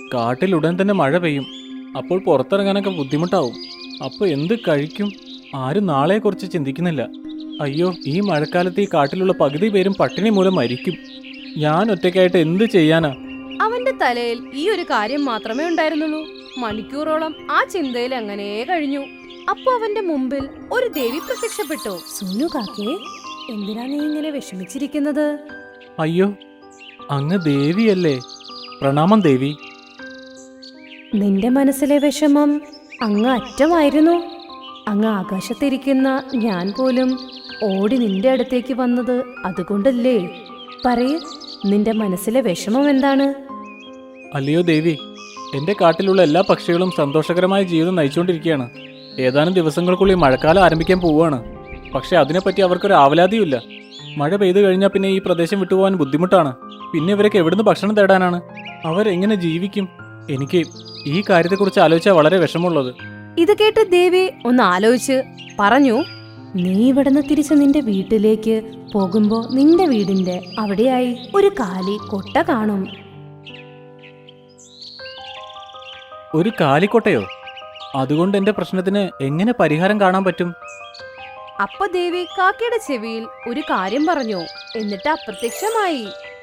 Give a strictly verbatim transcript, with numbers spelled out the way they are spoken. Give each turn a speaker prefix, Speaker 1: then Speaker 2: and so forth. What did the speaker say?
Speaker 1: കാട്ടിൽ ഉടൻ തന്നെ മഴ പെയ്യും. അപ്പോൾ പുറത്തിറങ്ങാനൊക്കെ ബുദ്ധിമുട്ടാവും. അപ്പോൾ എന്ത് കഴിക്കും? ആരും നാളെക്കുറിച്ച് ചിന്തിക്കുന്നില്ല. അയ്യോ, ഈ മഴക്കാലത്ത് ഈ കാട്ടിലുള്ള പകുതി പേരും പട്ടിണി മൂലം മരിക്കും. ഞാൻ ഒറ്റയ്ക്കായിട്ട് എന്ത് ചെയ്യാനാ?
Speaker 2: അവന്റെ തലയിൽ ഈ ഒരു കാര്യം മാത്രമേ ഉണ്ടായിരുന്നുള്ളൂ. മണിക്കൂറോളം ആ ചിന്തയിൽ അങ്ങനെ കഴിഞ്ഞു. അപ്പൊ അവന്റെ മുമ്പിൽ ഒരു ദേവി പ്രത്യക്ഷപ്പെട്ടു. സുനു കാക്കേ, എന്തിനാ നീ ഇങ്ങനെ വിഷമിച്ചിരിക്കുന്നത്?
Speaker 1: അയ്യോ, അങ്ങ് ദേവിയല്ലേ? പ്രണാമം ദേവി.
Speaker 2: നിന്റെ മനസ്സിലെ വിഷമം അങ്ങ് അറ്റമായിരുന്നു. അങ്ങ് ആകാശത്തിരിക്കുന്ന ഞാൻ പോലും ഓടി നിന്റെ അടുത്തേക്ക് വന്നത് അതുകൊണ്ടല്ലേ? പറയ്, നിന്റെ മനസ്സിലെ വിഷമം എന്താണ്?
Speaker 1: അല്ലയോ ദേവി, എൻ്റെ കാട്ടിലുള്ള എല്ലാ പക്ഷികളും സന്തോഷകരമായ ജീവിതം നയിച്ചുകൊണ്ടിരിക്കുകയാണ്. ഏതാനും ദിവസങ്ങൾക്കുള്ളിൽ മഴക്കാലം ആരംഭിക്കാൻ പോവുകയാണ്. പക്ഷെ അതിനെപ്പറ്റി അവർക്കൊരു ആവലാതിയുമില്ല. മഴ പെയ്തു കഴിഞ്ഞാൽ പിന്നെ ഈ പ്രദേശം വിട്ടുപോകാൻ ബുദ്ധിമുട്ടാണ്. പിന്നെ ഇവരൊക്കെ എവിടുന്ന് ഭക്ഷണം തേടാനാണ്? അവരെങ്ങനെ ജീവിക്കും? എനിക്ക് ഈ കാര്യത്തെക്കുറിച്ച് ആലോചിച്ചാൽ വളരെ വിഷമമുള്ളത്.
Speaker 2: ഇത് കേട്ട് ദേവി ഒന്ന് ആലോചിച്ച് പറഞ്ഞു, നീ ഇവിടുന്ന് തിരിച്ച് നിന്റെ വീട്ടിലേക്ക് പോകുമ്പോ നിന്റെ വീടിന്റെ അവിടെയായി ഒരു കാലി കൊട്ട കാണും.
Speaker 1: ഒരു കാലിക്കോട്ടയോ? അതുകൊണ്ട് എൻ്റെ പ്രശ്നത്തിന് എങ്ങനെ പരിഹാരം കാണാൻ പറ്റും?
Speaker 2: അപ്പൊ ദേവി കാക്കയുടെ ചെവിയിൽ ഒരു കാര്യം പറഞ്ഞു. എന്നിട്ട് അപ്രത്യക്ഷമായി.